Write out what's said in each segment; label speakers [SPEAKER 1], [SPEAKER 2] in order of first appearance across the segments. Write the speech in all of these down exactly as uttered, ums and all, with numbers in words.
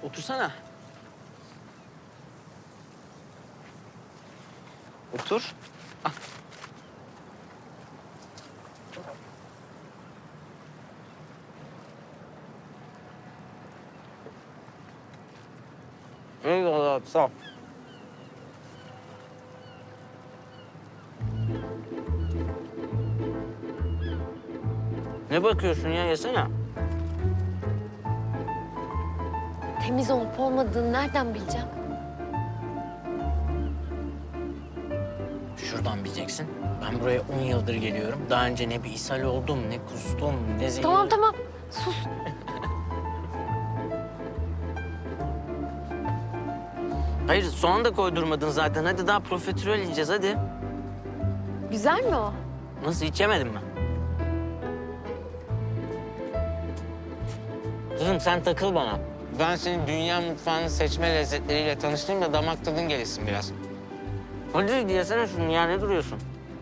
[SPEAKER 1] Otursana. Otur. Al. Eyvallah abi, sağ ol. Ne bakıyorsun ya? Yesene.
[SPEAKER 2] Temiz olup olmadığını nereden bileceğim?
[SPEAKER 1] Şuradan bileceksin. Ben buraya on yıldır geliyorum. Daha önce ne bir ishal oldum, ne kustum, ne zehir...
[SPEAKER 2] Tamam tamam sus.
[SPEAKER 1] Hayır, soğan da koydurmadın zaten. Hadi daha profiterol yiyeceğiz, hadi.
[SPEAKER 2] Güzel mi o?
[SPEAKER 1] Nasıl, hiç yemedin mi? Kızım sen takıl bana. Ben senin dünya mutfağının seçme lezzetleriyle tanıştırayım da damak tadın gelişsin biraz. Hadi yesene şunu ya, ne duruyorsun?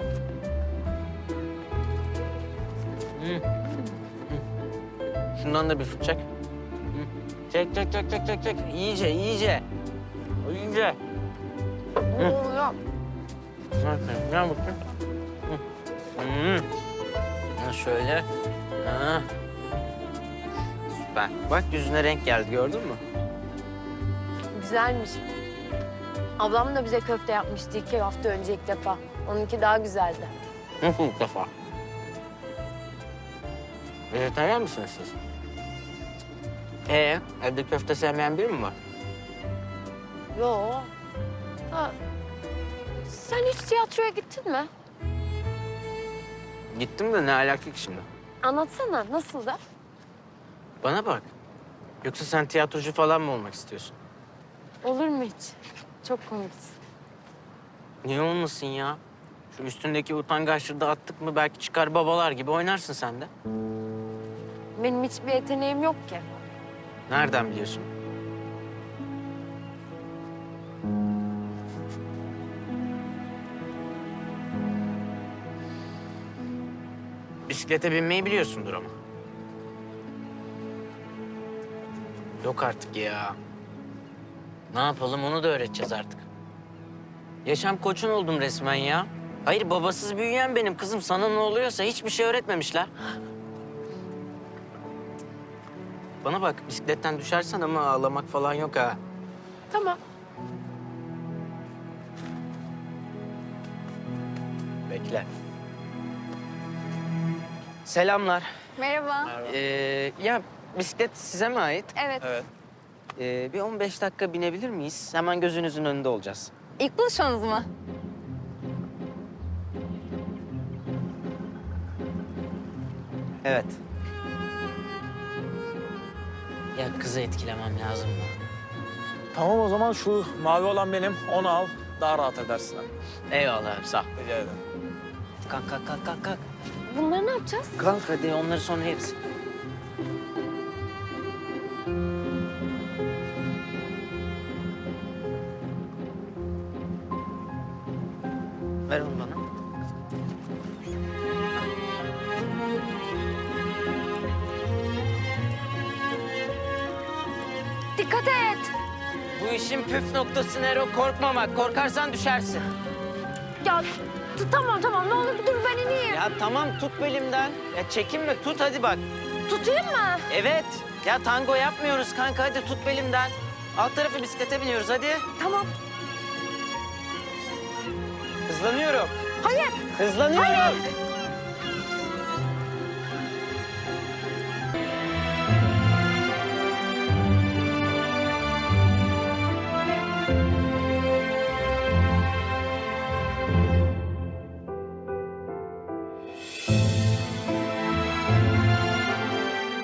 [SPEAKER 1] Hı. Hı. Şundan da bir fırt çek. Hı. Çek, çek, çek, çek, çek, çek. İyice, iyice. İyice.
[SPEAKER 2] Ne oluyor?
[SPEAKER 1] Aferin, gel bakayım. Hı. Hı. Ha, şöyle. Ha. Süper. Bak yüzüne renk geldi, gördün mü?
[SPEAKER 2] Güzelmiş. Ablam da bize köfte yapmıştı iki hafta önce ilk defa. Onunki daha güzeldi.
[SPEAKER 1] Nasıl ilk defa? Vejetaryen misiniz siz? Ee, evde köfte sevmeyen biri mi var?
[SPEAKER 2] Yo. Ha. Sen hiç tiyatroya gittin mi?
[SPEAKER 1] Gittim de ne alaka ki şimdi?
[SPEAKER 2] Anlatsana nasıl da?
[SPEAKER 1] Bana bak. Yoksa sen tiyatrocu falan mı olmak istiyorsun?
[SPEAKER 2] Olur mu hiç? Çok komiksin.
[SPEAKER 1] Niye olmasın ya? Şu üstündeki utangaçlığı da attık mı belki çıkar babalar gibi oynarsın sen de.
[SPEAKER 2] Benim hiçbir yeteneğim yok ki.
[SPEAKER 1] Nereden biliyorsun? Bisiklete binmeyi biliyorsundur ama. Yok artık ya. Ne yapalım, onu da öğreteceğiz artık. Yaşam koçun oldum resmen ya. Hayır, babasız büyüyen benim kızım. Sana ne oluyorsa hiçbir şey öğretmemişler. Bana bak, bisikletten düşersen ama ağlamak falan yok ha.
[SPEAKER 2] Tamam.
[SPEAKER 1] Bekle. Selamlar.
[SPEAKER 2] Merhaba.
[SPEAKER 1] Ee, ya bisiklet size mi ait?
[SPEAKER 2] Evet.
[SPEAKER 3] Evet.
[SPEAKER 1] Ee, bir on beş dakika binebilir miyiz? Hemen gözünüzün önünde olacağız.
[SPEAKER 2] İlk buluşmanız mı?
[SPEAKER 1] Evet. Ya kızı etkilemem lazım da.
[SPEAKER 3] Tamam o zaman şu mavi olan benim. Onu al. Daha rahat edersin.
[SPEAKER 1] Eyvallah abi, sağ ol.
[SPEAKER 3] Rica ederim.
[SPEAKER 1] Kalk, kalk, kalk, kalk, kalk.
[SPEAKER 2] Bunları ne yapacağız?
[SPEAKER 1] Kalk hadi, onları sonra yeriz. Ver onu bana.
[SPEAKER 2] Dikkat et.
[SPEAKER 1] Bu işin püf noktası Nero, korkmamak. Korkarsan düşersin.
[SPEAKER 2] Ya t- tamam tamam ne olur dur ben ineyim.
[SPEAKER 1] Ya tamam, tut belimden. Ya çekinme, tut hadi bak.
[SPEAKER 2] Tutayım mı?
[SPEAKER 1] Evet. Ya tango yapmıyoruz kanka, hadi tut belimden. Alt tarafı bisiklete biniyoruz, hadi.
[SPEAKER 2] Tamam.
[SPEAKER 1] Hızlanıyorum.
[SPEAKER 2] Hayır.
[SPEAKER 1] Hızlanıyorum.
[SPEAKER 2] Hayır.